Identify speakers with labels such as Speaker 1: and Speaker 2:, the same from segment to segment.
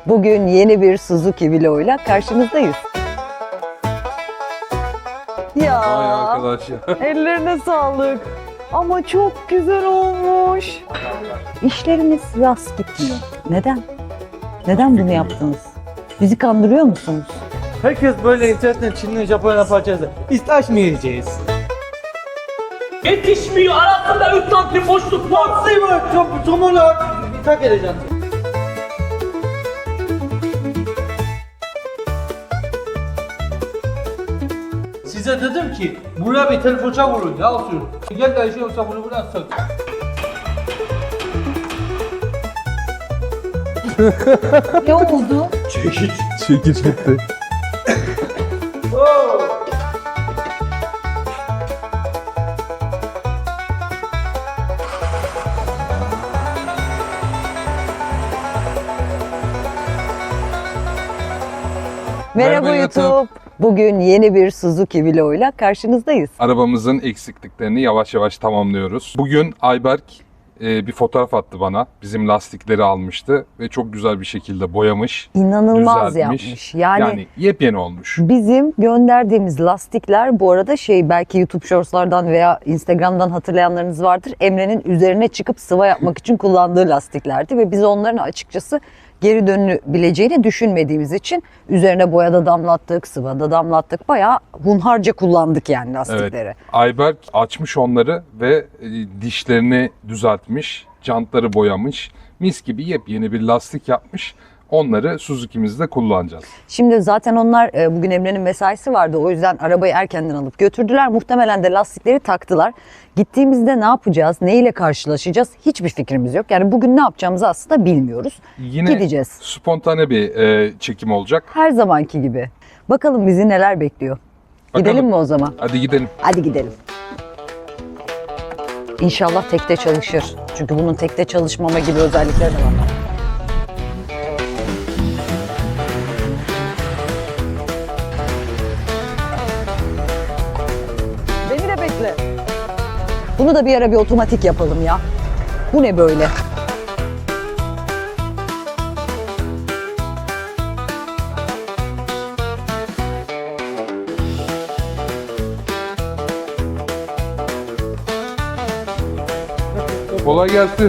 Speaker 1: Bugün yeni bir Suzuki vloguyla karşınızdayız. Ya,
Speaker 2: Vay arkadaş ya.
Speaker 1: ellerine sağlık. Ama çok güzel olmuş. İşlerimiz rast gitmiyor. Neden? Neden bunu yaptınız? Bizi kandırıyor musunuz?
Speaker 3: Herkes böyle internetten Çin'le Japonya parçası. İstaş mı yiyeceğiz?
Speaker 4: Yetişmiyor, arasında 3 santim boşluk var.
Speaker 3: Sıyma, somonu tak edeceğim. Size dedim ki buraya bir tel fırça vurun ya sür. Gel de yoksa bunu buradan sök.
Speaker 1: Ne oldu?
Speaker 2: Çekiç gitti.
Speaker 1: Merhaba
Speaker 2: Merhaba
Speaker 1: YouTube. Bugün yeni bir Suzuki vloguyla karşınızdayız.
Speaker 2: Arabamızın eksikliklerini yavaş yavaş tamamlıyoruz. Bugün Ayberk bir fotoğraf attı bana. Bizim lastikleri almıştı ve çok güzel bir şekilde boyamış.
Speaker 1: İnanılmaz
Speaker 2: düzeltmiş.
Speaker 1: yapmış. Yani
Speaker 2: yepyeni olmuş.
Speaker 1: bizim gönderdiğimiz lastikler bu arada belki YouTube Shorts'lardan veya Instagram'dan hatırlayanlarınız vardır. Emre'nin üzerine çıkıp sıva yapmak için kullandığı lastiklerdi ve biz onların açıkçası geri dönülebileceğini düşünmediğimiz için üzerine boya da damlattık, sıva da damlattık. Bayağı hunharca kullandık yani lastikleri.
Speaker 2: Evet. Ayberk açmış onları ve dişlerini düzeltmiş, jantları boyamış. Mis gibi yepyeni bir lastik yapmış. Onları Suzuki'mizde kullanacağız.
Speaker 1: Şimdi zaten onlar bugün Emre'nin mesaisi vardı. O yüzden arabayı erkenden alıp götürdüler. Muhtemelen de lastikleri taktılar. Gittiğimizde ne yapacağız, neyle karşılaşacağız hiçbir fikrimiz yok. Yani bugün ne yapacağımızı aslında bilmiyoruz.
Speaker 2: Yine
Speaker 1: Gideceğiz.
Speaker 2: spontane bir çekim olacak.
Speaker 1: Her zamanki gibi. Bakalım bizi neler bekliyor.
Speaker 2: Bakalım.
Speaker 1: Gidelim mi o zaman?
Speaker 2: Hadi gidelim.
Speaker 1: Hadi gidelim. İnşallah tekte çalışır. Çünkü bunun tekte çalışmama gibi özellikleri de var. Beni de bekle. Bunu da bir ara bir otomatik yapalım ya. Bu ne böyle?
Speaker 2: Kolay gelsin.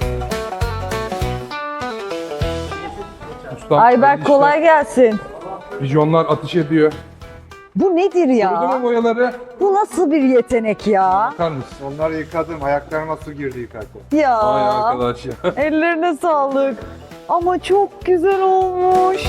Speaker 2: Ustam,
Speaker 1: Ayberk
Speaker 2: işte
Speaker 1: kolay gelsin.
Speaker 2: Vizyonlar atış ediyor.
Speaker 1: Bu nedir
Speaker 2: Gördün mü
Speaker 1: ya?
Speaker 2: boyaları?
Speaker 1: Bu nasıl bir yetenek ya?
Speaker 2: Bakar mısın?
Speaker 5: Onları yıkadım, ayaklarıma su girdi yıkarken.
Speaker 1: Ya.
Speaker 2: Vay arkadaş ya.
Speaker 1: Ellerine sağlık. Ama çok güzel olmuş.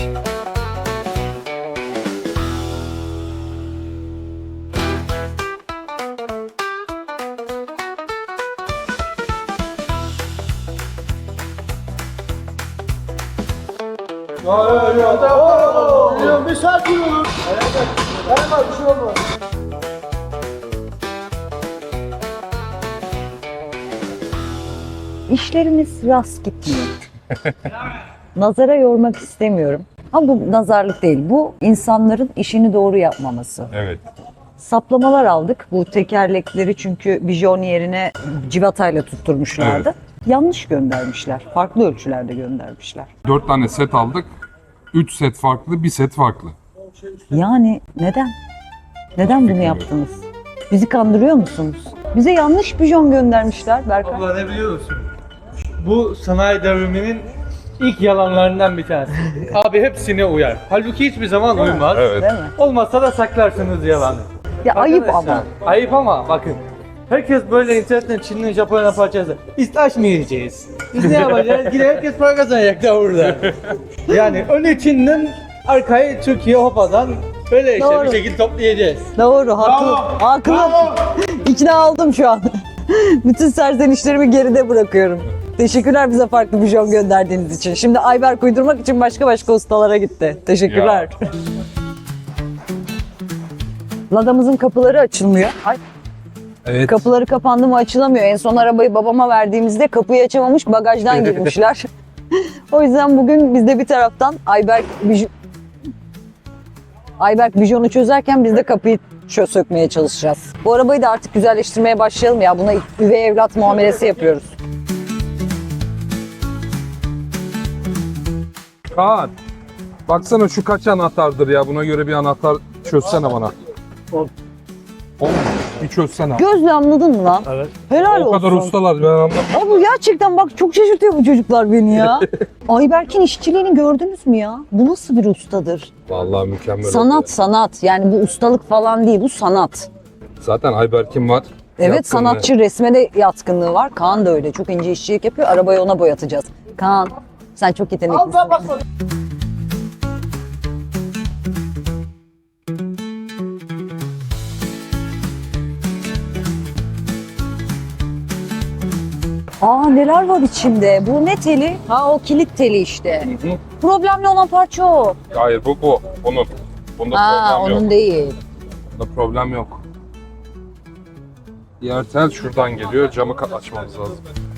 Speaker 3: Bir sakin olun. Hemen bir şey olmaz.
Speaker 1: İşlerimiz rast gitmiyor. Nazara yormak istemiyorum. Ama bu nazarlık değil. Bu insanların işini doğru yapmaması.
Speaker 2: Evet.
Speaker 1: Saplamalar aldık. Bu tekerlekleri çünkü bijon yerine civatayla tutturmuşlardı. Yanlış göndermişler. Farklı ölçülerde göndermişler.
Speaker 2: 4 tane set aldık. 3 set farklı, 1 set farklı.
Speaker 1: Yani neden? Neden bunu yaptınız? Bizi kandırıyor musunuz? Bize yanlış bijon göndermişler Berkay.
Speaker 3: Abla ne biliyor musun? Bu sanayi devriminin ilk yalanlarından bir tanesi. Abi hepsine uyar. Halbuki hiçbir zaman uymaz.
Speaker 2: Evet.
Speaker 1: Değil mi?
Speaker 3: Olmazsa da saklarsınız yalanı.
Speaker 1: Ya ayıp
Speaker 3: Arkadaşlar,
Speaker 1: ama.
Speaker 3: Ayıp ama bakın. Herkes böyle internetten Çin'le Japonya parçası. İstaş mı yiyeceğiz? Biz ne yapacağız? Yine herkes para kazanacak da burada. Yani ön Çin'den arkayı Türkiye hopadan böyle işte
Speaker 1: Doğru.
Speaker 3: bir şekilde toplayacağız.
Speaker 1: Doğru, haklı. Haklı. İkna oldum şu an. Bütün serzenişlerimi geride bırakıyorum. Teşekkürler bize farklı bijon gönderdiğiniz için. Şimdi Ayberk uydurmak için başka ustalara gitti. Teşekkürler. Ladamızın kapıları açılmıyor. Ay,
Speaker 2: Evet.
Speaker 1: kapıları kapandı mı açılamıyor. En son arabayı babama verdiğimizde kapıyı açamamış, bagajdan girmişler. O yüzden bugün biz de bir taraftan Ayberk bijonu çözerken biz de kapıyı sökmeye çalışacağız. Bu arabayı da artık güzelleştirmeye başlayalım ya. Buna üvey evlat muamelesi yapıyoruz.
Speaker 2: Kaan. Baksana şu kaç anahtardır ya. Buna göre bir anahtar çözsene bana. 10. Bir çözsene.
Speaker 1: Gözle anladın mı lan?
Speaker 3: Evet.
Speaker 1: Helal
Speaker 2: O kadar
Speaker 1: olsun.
Speaker 2: ustalar ben anlamadım.
Speaker 1: Abi gerçekten bak çok şaşırtıyor bu çocuklar beni ya. Ayberk'in işçiliğini gördünüz mü ya? Bu nasıl bir ustadır?
Speaker 2: Vallahi mükemmel.
Speaker 1: Sanat sanat. Yani bu ustalık falan değil, bu sanat.
Speaker 2: Zaten Ayberk'in var.
Speaker 1: Evet,
Speaker 2: Yatkınlığı.
Speaker 1: sanatçı, resme de yatkınlığı var. Kaan da öyle. Çok ince işçilik yapıyor. Arabayı ona boyatacağız. Kaan, sen çok yeteneklisin. Aa, neler var içinde? Bu ne teli? Ha, o kilit teli işte.
Speaker 2: Hı.
Speaker 1: Problemli olan parça o.
Speaker 2: Hayır bu. Bunun. Bunda
Speaker 1: Aa,
Speaker 2: problem
Speaker 1: onun
Speaker 2: yok.
Speaker 1: değil.
Speaker 2: Bunda problem yok. Diğer tel şuradan geliyor. Camı açmamız lazım.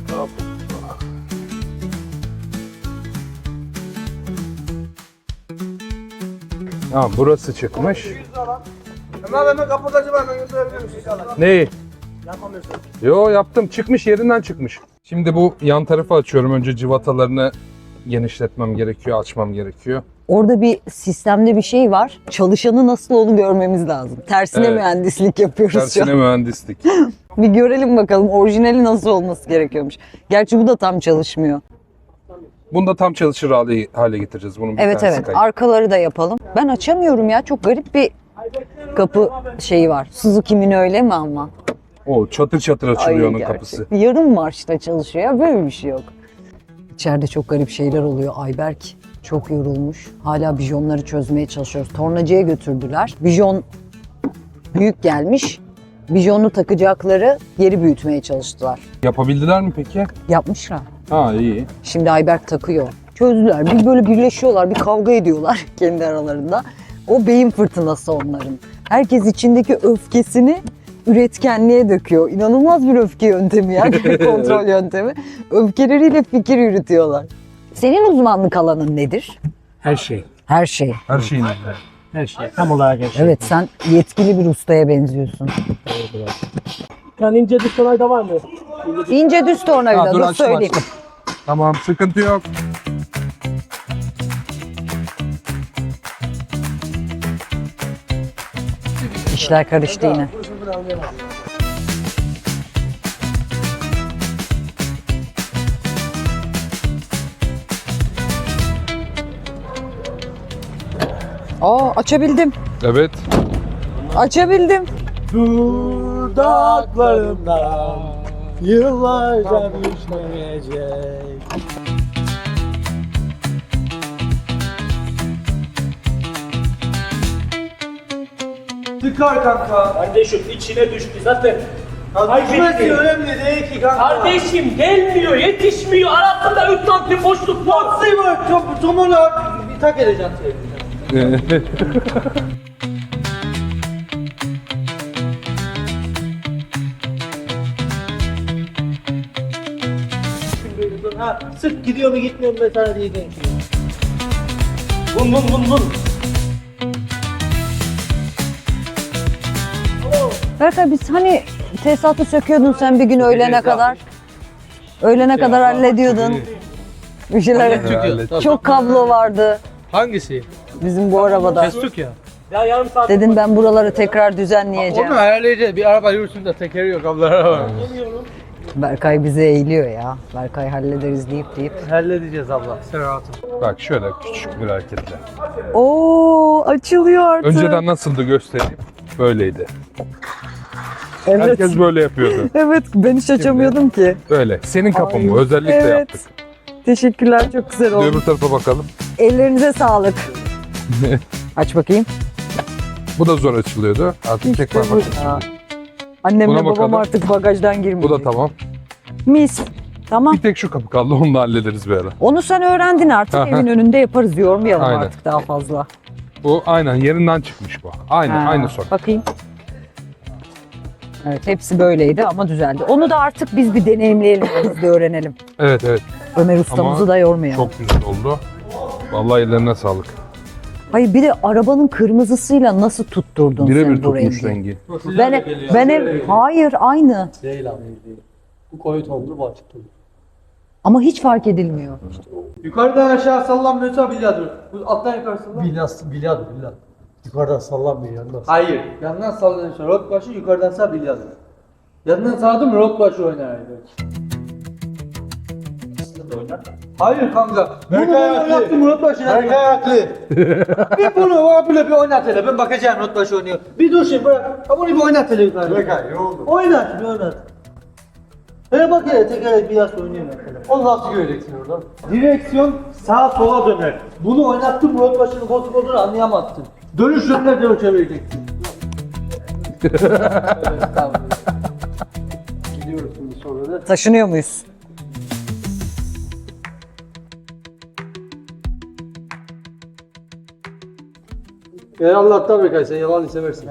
Speaker 2: Tamam, burası çıkmış.
Speaker 3: Hemen kapatacağım, hemen götürebilir misin?
Speaker 2: Neyi? Yapamıyorsun. Yo, yaptım. Çıkmış, yerinden çıkmış. Şimdi bu yan tarafı açıyorum. Önce civatalarını genişletmem gerekiyor, açmam gerekiyor.
Speaker 1: Orada bir sistemde bir şey var. Çalışanı nasıl onu görmemiz lazım. Tersine
Speaker 2: Evet.
Speaker 1: mühendislik yapıyoruz şu
Speaker 2: Tersine
Speaker 1: an.
Speaker 2: mühendislik.
Speaker 1: Bir görelim bakalım orijinali nasıl olması gerekiyormuş. Gerçi bu da tam çalışmıyor.
Speaker 2: Bunu da tam çalışır hale getireceğiz. Bunun bir
Speaker 1: Evet
Speaker 2: tanesi
Speaker 1: evet,
Speaker 2: kayıp.
Speaker 1: arkaları da yapalım. Ben açamıyorum ya, çok garip bir kapı şeyi var. Suzuki'nin öyle mi ama?
Speaker 2: O çatır çatır açılıyor onun
Speaker 1: gerçek.
Speaker 2: kapısı.
Speaker 1: Yarım marşta çalışıyor ya, böyle bir şey yok. İçeride çok garip şeyler oluyor. Ayberk çok yorulmuş. Hala bijonları çözmeye çalışıyoruz. Tornacıya götürdüler. Bijon büyük gelmiş. Bijonu takacakları yeri büyütmeye çalıştılar.
Speaker 2: Yapabildiler mi peki?
Speaker 1: Yapmışlar.
Speaker 2: Ha, iyi.
Speaker 1: Şimdi Ayberk takıyor. Çözdüler. Bir böyle birleşiyorlar, bir kavga ediyorlar kendi aralarında. O beyin fırtınası onların. Herkes içindeki öfkesini üretkenliğe döküyor. İnanılmaz bir öfke yöntemi ya, kontrol yöntemi. Öfkeleriyle fikir yürütüyorlar. Senin uzmanlık alanın nedir?
Speaker 3: Her şey.
Speaker 1: Her şey.
Speaker 2: Her şeyin.
Speaker 3: Her şey. Tam olarak her şey.
Speaker 1: Evet, sen yetkili bir ustaya benziyorsun.
Speaker 3: Yani ince düz da var mı?
Speaker 1: İnce düz tornavida,
Speaker 2: Ha, dur,
Speaker 1: dur
Speaker 2: açtım,
Speaker 1: söyleyeyim.
Speaker 2: açtım. Tamam, sıkıntı yok.
Speaker 1: İşler karıştı yine. Aa, açabildim.
Speaker 2: Evet.
Speaker 1: Açabildim.
Speaker 3: Dudaklarımda yıllarca düşmeyecek. Tıkar kanka.
Speaker 4: Kardeşim içine düştü zaten.
Speaker 3: Düşmesi önemli değil ki kanka.
Speaker 4: Kardeşim gelmiyor, yetişmiyor. Arasında 3 santim boşluk var.
Speaker 3: Nasıl var? Tomunu bir tak edeceğim seni. Ha, sırf gidiyor mu gitmiyor mu ben sana diyeceğim.
Speaker 4: Bun bun bun bun.
Speaker 1: Berkay, biz hani tesisatı söküyordun sen bir gün öğlene kadar. Öğlene kadar hallediyordun. Bir şeyler. Çok kablo vardı
Speaker 3: Hangisi?
Speaker 1: bizim bu arabada.
Speaker 3: Kestuk ya.
Speaker 4: Ya yarım saat.
Speaker 1: Dedin ben buraları tekrar düzenleyeceğim.
Speaker 3: Onu ayarlayacağız. Bir araba yürüsün de tekeri yok ablara var.
Speaker 1: Berkay bize eğiliyor ya. Berkay hallederiz deyip.
Speaker 3: Halledeceğiz abla. Sen rahatım.
Speaker 2: Bak şöyle küçük bir hareketle.
Speaker 1: Oo, açılıyor artık.
Speaker 2: Önceden nasıldı göstereyim. Böyleydi.
Speaker 1: Evet.
Speaker 2: Herkes böyle yapıyordu.
Speaker 1: Evet, ben hiç açamıyordum ki.
Speaker 2: Böyle. Senin kapın bu.
Speaker 1: Ay,
Speaker 2: Özellikle
Speaker 1: evet.
Speaker 2: yaptık.
Speaker 1: Teşekkürler, çok güzel
Speaker 2: Bir
Speaker 1: oldu.
Speaker 2: öbür tarafa bakalım.
Speaker 1: Ellerinize sağlık. Aç bakayım.
Speaker 2: Bu da zor açılıyordu. Artık tek var.
Speaker 1: Bu- Aa. Annemle
Speaker 2: Buna
Speaker 1: babam
Speaker 2: bakalım.
Speaker 1: artık bagajdan
Speaker 2: Bu
Speaker 1: girmeyecek.
Speaker 2: da tamam.
Speaker 1: Mis. Tamam.
Speaker 2: Bir tek şu kapı kaldı. Onu da hallederiz bir ara.
Speaker 1: Onu sen öğrendin artık.
Speaker 2: Aha.
Speaker 1: Evin önünde yaparız. Yormayalım
Speaker 2: Aynen.
Speaker 1: artık daha fazla.
Speaker 2: Bu aynen yerinden çıkmış bu. Aynı
Speaker 1: Ha,
Speaker 2: aynı sorun.
Speaker 1: Bakayım. Evet, hepsi böyleydi ama düzeldi. Onu da artık biz bir deneyimleyelim, biz de öğrenelim.
Speaker 2: Evet evet.
Speaker 1: Ömer ustamızı
Speaker 2: Ama
Speaker 1: da yormayalım.
Speaker 2: Çok güzel oldu. Vallahi ellerine sağlık.
Speaker 1: Hayır, bir de arabanın kırmızısıyla nasıl tutturdun
Speaker 2: Birebir
Speaker 1: sen bu
Speaker 2: tutmuş
Speaker 1: rengi?
Speaker 2: rengi.
Speaker 1: Ben hayır, aynı.
Speaker 3: Değil abi değil. Bu koyu tonlu bu açık tonlu.
Speaker 1: Ama hiç fark edilmiyor.
Speaker 3: Yukarıdan aşağı sallanmıyorsa bilyadır. Bu alttan yukarı sallan.
Speaker 6: Bilyat. Yukarıdan sallanmıyor yandan.
Speaker 3: Hayır. Yandan sallanıyorsa rot başı, yukarıdan sağ bilyadır. Yandan sağdı mı rot başı oynar belki. Hayır kanka. Bunu oynattım rot başına.
Speaker 6: Berkay haklı.
Speaker 3: Bir bunu var böyle bir oynat hele. Ben bakacağım rot başı oynuyor. Bir dur şimdi bırak. Ha bunu bir oynat hele yukarı.
Speaker 6: Berkay yoruldu.
Speaker 3: Oynat bir oynat. Hele bak hele tekerlek biraz oynuyor mesela.
Speaker 6: Onu nasıl göreceksin oradan?
Speaker 3: Direksiyon sağa sola döner. Bunu oynattım rot başının bozuk olduğunu anlayamazsın. Dönüş yönüne doğru çevireceksin.
Speaker 6: Gidiyoruz şimdi sonra da.
Speaker 1: Taşınıyor muyuz?
Speaker 6: Allah'tan Berkay sen yalan seversin.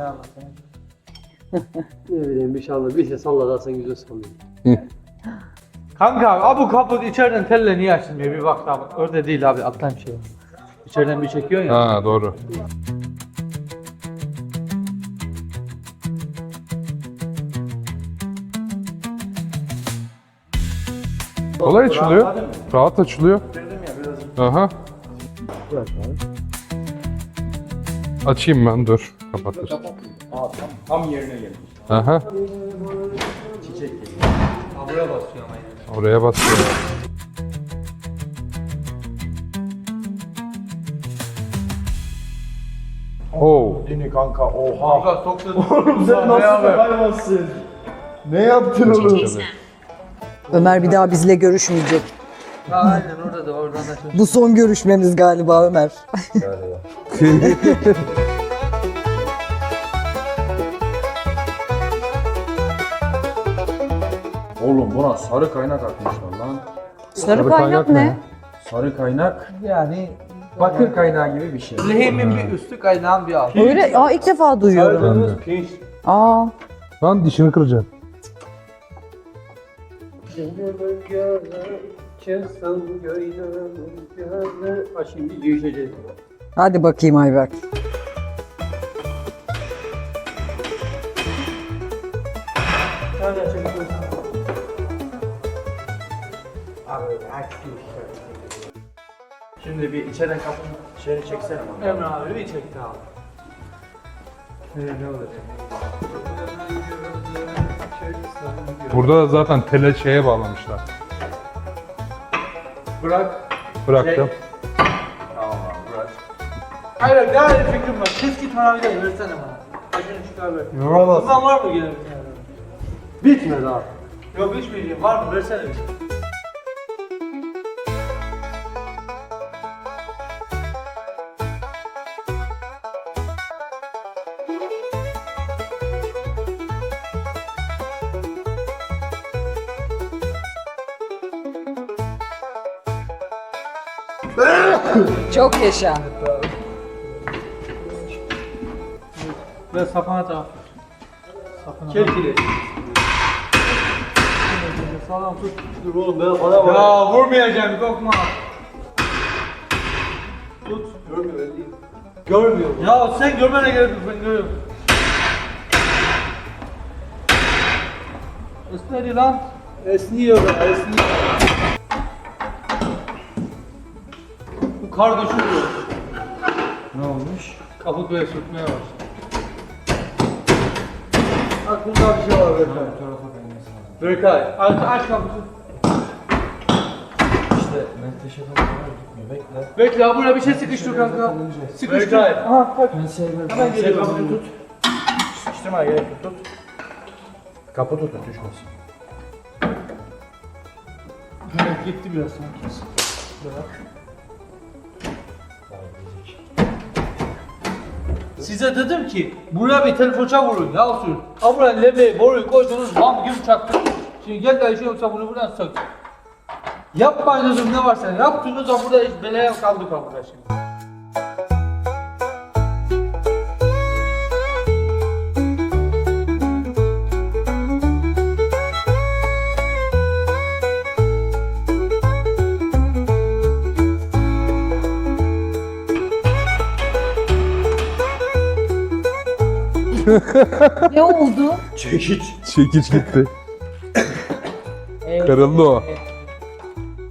Speaker 6: Ne bileyim inşallah bir şey sallarsan güzel sallıyor.
Speaker 3: Kanka abi bu kaput içeriden telle niye açılmıyor bir bak abi. Orada değil abi alttan bir şey var. İçeriden bir çekiyor ya.
Speaker 2: Ha doğru. Kolay açılıyor. Rahat açılıyor. Aha. Açayım ben dur. Kapatır.
Speaker 5: Tam yerine gelmiş.
Speaker 2: Aha.
Speaker 3: Ha, buraya basıyor ama yani.
Speaker 2: Oraya basıyor. Oo.
Speaker 5: Dini kanka oha.
Speaker 3: Kanka soktu.
Speaker 5: Sen nasıl hayvansın? Ne yaptın oğlum?
Speaker 1: Ömer bir daha bizle görüşmeyecek.
Speaker 3: Ha, aynen orada da oradan da çok.
Speaker 1: Bu son görüşmemiz galiba Ömer.
Speaker 7: Oğlum buna sarı kaynak atmışlar lan.
Speaker 1: Sarı kaynak ne?
Speaker 7: Sarı kaynak yani bakır kaynağı gibi bir şey.
Speaker 3: Lehimin bir üstü kaynağın bir altı.
Speaker 1: Öyle, ilk defa duyuyorum. Aa,
Speaker 2: Lan dişini kıracaksın.
Speaker 6: Ha şimdi değişeceğiz.
Speaker 1: hadi bakayım Ayberk.
Speaker 7: Şimdi bir içeriden kapının şeyini çeksene bana.
Speaker 3: Emre abi bir çekti abi. Ne olacak?
Speaker 2: Burada da zaten tele şeye bağlamışlar.
Speaker 3: Bırak.
Speaker 2: Bıraktım.
Speaker 3: Hayır daha iyi fikrim var. Keski tornavidayı versene bana. Acını çıkar ver.
Speaker 6: Yoramaz.
Speaker 3: Bundan var mı gene bir tane?
Speaker 6: Bitmedi abi.
Speaker 3: Yok içmeyeceğim. Var mı? Versene bir.
Speaker 1: Çok yaşa.
Speaker 3: Ve sapana taraf. Kelkili. Sağlam tut.
Speaker 6: Dur oğlum ben bana bak.
Speaker 3: Ya vurmayacağım korkma. Tut.
Speaker 6: Görmüyor ben değil.
Speaker 3: Görmüyor. Ya sen görmene gerek yok ben görüyorum. Esnedi lan. Esniyor be esniyor. Bu kar düşürüyor.
Speaker 7: Ne olmuş?
Speaker 3: Kaput böyle sürtmeye başladı.
Speaker 6: Aklımda bir şey var Berkay.
Speaker 3: Berkay aç kaputu.
Speaker 7: İşte menteşe falan gitmiyor. Bekle.
Speaker 3: Bekle ha buraya bir şey sıkıştır kanka. Sıkıştır. Aha bak. Hemen geliyor kaputu tut.
Speaker 7: Sıkıştırmaya gerek yok. Tut. Kapı tut düşmesin.
Speaker 3: Evet, gitti biraz sanki. Size dedim ki buraya bir telefonça vurun ya usul. Ha buraya levyeyi boruyu koydunuz bam gibi çaktınız. Şimdi gel de şey yoksa bunu buradan sök. Yapmayın dedim ne varsa yaptınız ha burada hiç belaya kaldık ha burada şimdi.
Speaker 1: Ne oldu?
Speaker 2: Çekiç gitti. Kırıldı o.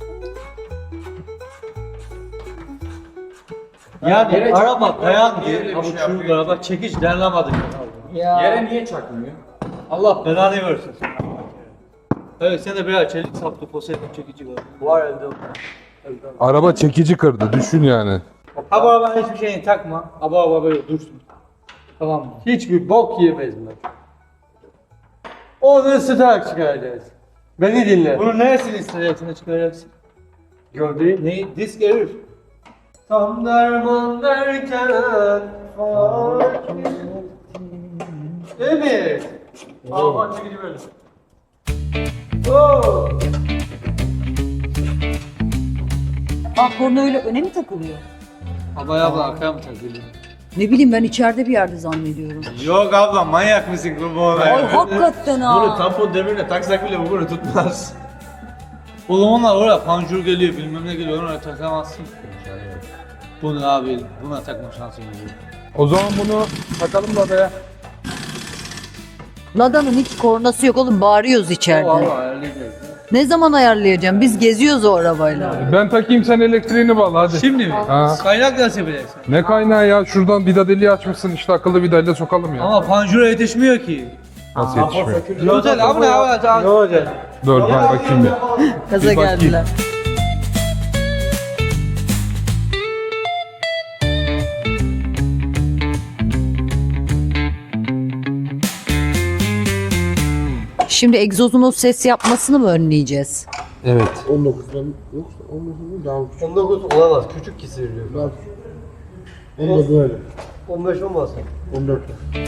Speaker 3: Yani araba dayandı. Ama çürük araba çekiç dayanamadı.
Speaker 7: Yere niye çakmıyor?
Speaker 3: Allah belanı versin. Evet sen de biraz çelik saplı poseidon çekici var elde.
Speaker 2: Araba çekici kırdı düşün yani.
Speaker 3: Ha bu arabanın hiçbir şeyini takma. Ha bu araba böyle dursun. Tamam mı?
Speaker 6: Hiçbir bok yemez mi? Onu ısıtarak çıkaracağız. Beni dinle.
Speaker 3: Bunun neresini isteyeceksin çıkaracaksın?
Speaker 6: Gördüğün
Speaker 3: Neyi? Disk erir.
Speaker 6: tam derman derken Evet. Aman çekici böyle. Oo.
Speaker 1: Korna öyle öne mi takılıyor?
Speaker 3: Abaya abla arkaya mı takılıyor?
Speaker 1: Ne bileyim ben içeride bir yerde zannediyorum.
Speaker 3: Yok abla manyak mısın kurban
Speaker 1: Ay hakikaten ha.
Speaker 7: tampon demirine taksak bile bu bunu tutmaz.
Speaker 3: Oğlum onlar oraya panjur geliyor bilmem ne geliyor oraya takamazsın. Bunu abi buna takma şansın yok.
Speaker 2: O zaman bunu takalım da be.
Speaker 1: Lada'nın hiç kornası yok oğlum, bağırıyoruz içeride.
Speaker 3: Valla ayarlayacağız.
Speaker 1: Ne zaman ayarlayacağım? Biz geziyoruz o arabayla.
Speaker 2: Ben takayım sen elektriğini bağla hadi.
Speaker 3: Şimdi mi?
Speaker 2: Ha.
Speaker 3: Kaynak nasıl bileceksin?
Speaker 2: Ne kaynağı ya? Şuradan vida deliği açmışsın işte akıllı vidayla sokalım ya.
Speaker 3: Ama panjura yetişmiyor ki.
Speaker 2: Nasıl yetişmiyor?
Speaker 3: Güzel abi ne yapacağız?
Speaker 6: Ne olacak?
Speaker 2: Dur ben bakayım bir.
Speaker 1: Kaza
Speaker 2: Bir bakayım.
Speaker 1: geldiler. Şimdi egzozun o ses yapmasını mı önleyeceğiz?
Speaker 2: Evet.
Speaker 6: 19'dan yoksa 19'dan daha küçük. 19 olamaz. Küçük kesiliyor. Daha küçük. 19 öyle. 15 olmaz. 14.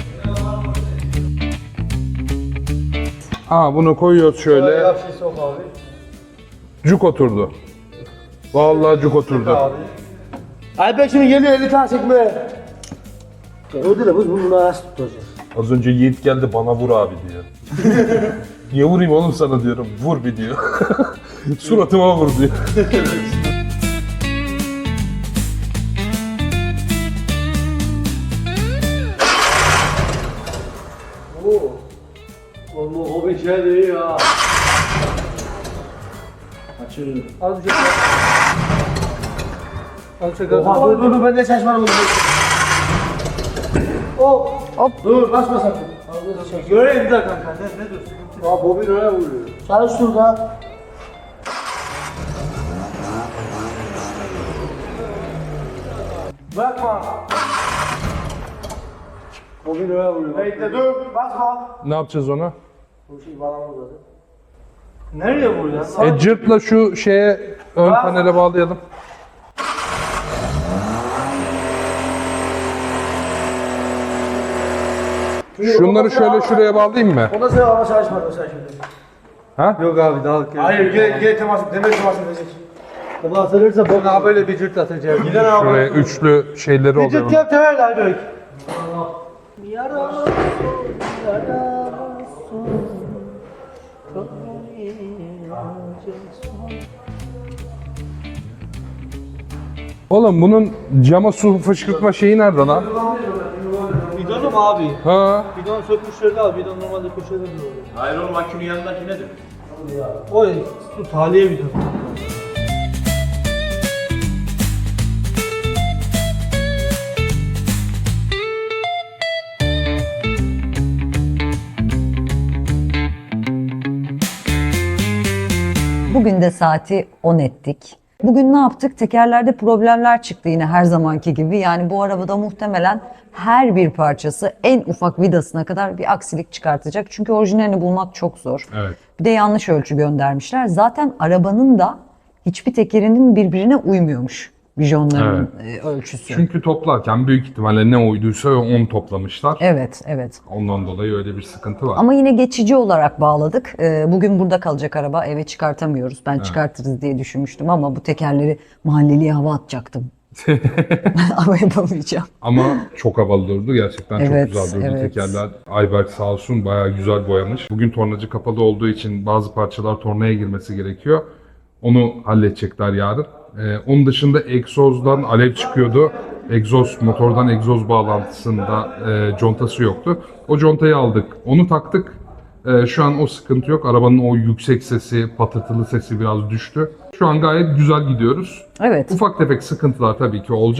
Speaker 2: Bunu koyuyoruz şöyle.
Speaker 6: Yap şey sok abi.
Speaker 2: Cuk oturdu. Vallahi cuk oturdu.
Speaker 6: Abi. Alper şimdi geliyor 50 tane çekmeye. Öyle de biz bunu nasıl tutacağız?
Speaker 2: Az önce Yiğit geldi bana vur abi diyor. Niye vurayım oğlum sana diyorum. Vur bir diyor. Suratıma vur diyor.
Speaker 6: Oğlum o bir şey değil ya.
Speaker 3: Az bir şey. Az bir şey.
Speaker 6: Oha dur ben de şaşmadım. Hop.
Speaker 1: Hop.
Speaker 6: Dur basma sakın.
Speaker 3: Göreyim de kanka ne dursun?
Speaker 6: Aa bobin oraya vuruyor. Çalış şurada. Bakma. Bobin oraya vuruyor. Bekle dur basma.
Speaker 2: Ne yapacağız ona?
Speaker 6: Bu şey bağlamaz zaten.
Speaker 3: Nereye vuruyorsun?
Speaker 2: Cırtla şu şeye ön panele bağlayalım. Şunları şöyle şuraya bağlayayım mı?
Speaker 6: O da sen ama çalışmadı sen şimdi.
Speaker 2: Ha?
Speaker 3: Yok abi daha
Speaker 6: Hayır gel temas demir temas edecek. Bunu atılırsa bok.
Speaker 3: Bana böyle bir cırt atacağım.
Speaker 6: Gider abi.
Speaker 2: Şuraya üçlü şeyleri
Speaker 6: Bir cırt
Speaker 2: oluyor.
Speaker 6: yap temel Alper.
Speaker 2: Oğlum bunun cama su fışkırtma şeyi nerede lan?
Speaker 3: Bidonum abi.
Speaker 2: Ha?
Speaker 3: Bidon sökmüşler de abi. Bidon normalde köşede duruyor.
Speaker 7: Hayır oğlum akünün yanındaki nedir?
Speaker 3: O su taliye bidon.
Speaker 1: Bugün de saati 10 ettik. Bugün ne yaptık? Tekerlerde problemler çıktı yine her zamanki gibi. Yani bu arabada muhtemelen her bir parçası en ufak vidasına kadar bir aksilik çıkartacak. Çünkü orijinalini bulmak çok zor.
Speaker 2: Evet.
Speaker 1: Bir de yanlış ölçü göndermişler. Zaten arabanın da hiçbir tekerinin birbirine uymuyormuş vijonlarının ölçüsü.
Speaker 2: Çünkü toplarken büyük ihtimalle ne uyduysa onu toplamışlar.
Speaker 1: Evet, evet.
Speaker 2: Ondan dolayı öyle bir sıkıntı var.
Speaker 1: Ama yine geçici olarak bağladık. Bugün burada kalacak araba. Eve çıkartamıyoruz. Ben çıkartırız diye düşünmüştüm ama bu tekerleri mahalleliye hava atacaktım. Ama yapamayacağım.
Speaker 2: Ama çok havalı durdu. Gerçekten
Speaker 1: Evet,
Speaker 2: çok güzel durdu
Speaker 1: evet.
Speaker 2: tekerler. Ayberk sağ olsun bayağı güzel boyamış. Bugün tornacı kapalı olduğu için bazı parçalar tornaya girmesi gerekiyor. Onu halledecekler yarın. Onun dışında egzozdan alev çıkıyordu. Motordan egzoz bağlantısında contası yoktu. O contayı aldık. Onu taktık. Şu an o sıkıntı yok. Arabanın o yüksek sesi, patırtılı sesi biraz düştü. Şu an gayet güzel gidiyoruz.
Speaker 1: Evet.
Speaker 2: Ufak tefek sıkıntılar tabii ki olacak.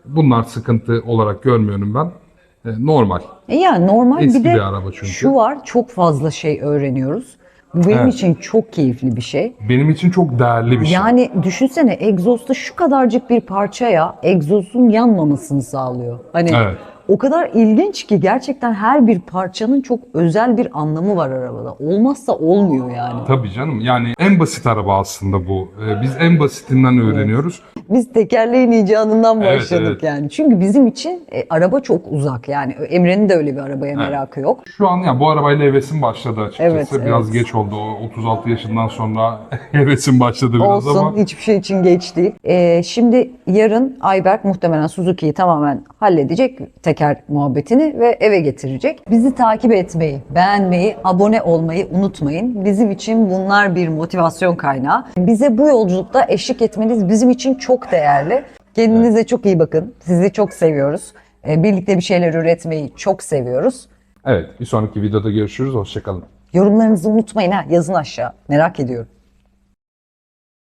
Speaker 2: Bunlar sıkıntı olarak görmüyorum ben. Normal.
Speaker 1: Yani normal
Speaker 2: Eski
Speaker 1: bir de
Speaker 2: bir araba çünkü.
Speaker 1: şu var, çok fazla şey öğreniyoruz. Bu benim
Speaker 2: Evet.
Speaker 1: için çok keyifli bir şey.
Speaker 2: Benim için çok değerli bir şey.
Speaker 1: Yani düşünsene, egzozda şu kadarcık bir parçaya egzozun yanmamasını sağlıyor. Hani
Speaker 2: Evet.
Speaker 1: o kadar ilginç ki gerçekten her bir parçanın çok özel bir anlamı var arabada. Olmazsa olmuyor yani.
Speaker 2: Tabii canım. Yani en basit araba aslında bu. Biz en basitinden öğreniyoruz.
Speaker 1: Biz tekerleğin icadından
Speaker 2: Evet,
Speaker 1: başladık
Speaker 2: evet.
Speaker 1: yani. Çünkü bizim için araba çok uzak yani. Emre'nin de öyle bir arabaya merakı yok.
Speaker 2: Şu an ya bu arabayla hevesim başladı açıkçası.
Speaker 1: Evet,
Speaker 2: Biraz
Speaker 1: evet.
Speaker 2: geç oldu. O 36 yaşından sonra hevesim başladı biraz
Speaker 1: Olsun,
Speaker 2: ama.
Speaker 1: hiçbir şey için geç değil. Şimdi yarın Ayberk muhtemelen Suzuki'yi tamamen halledecek, teker muhabbetini, ve eve getirecek. Bizi takip etmeyi, beğenmeyi, abone olmayı unutmayın. Bizim için bunlar bir motivasyon kaynağı. Bize bu yolculukta eşlik etmeniz bizim için çok değerli. Kendinize çok iyi bakın. Sizi çok seviyoruz. Birlikte bir şeyler üretmeyi çok seviyoruz.
Speaker 2: Evet, bir sonraki videoda görüşürüz. Hoşçakalın.
Speaker 1: Yorumlarınızı unutmayın ha, yazın aşağı. Merak ediyorum.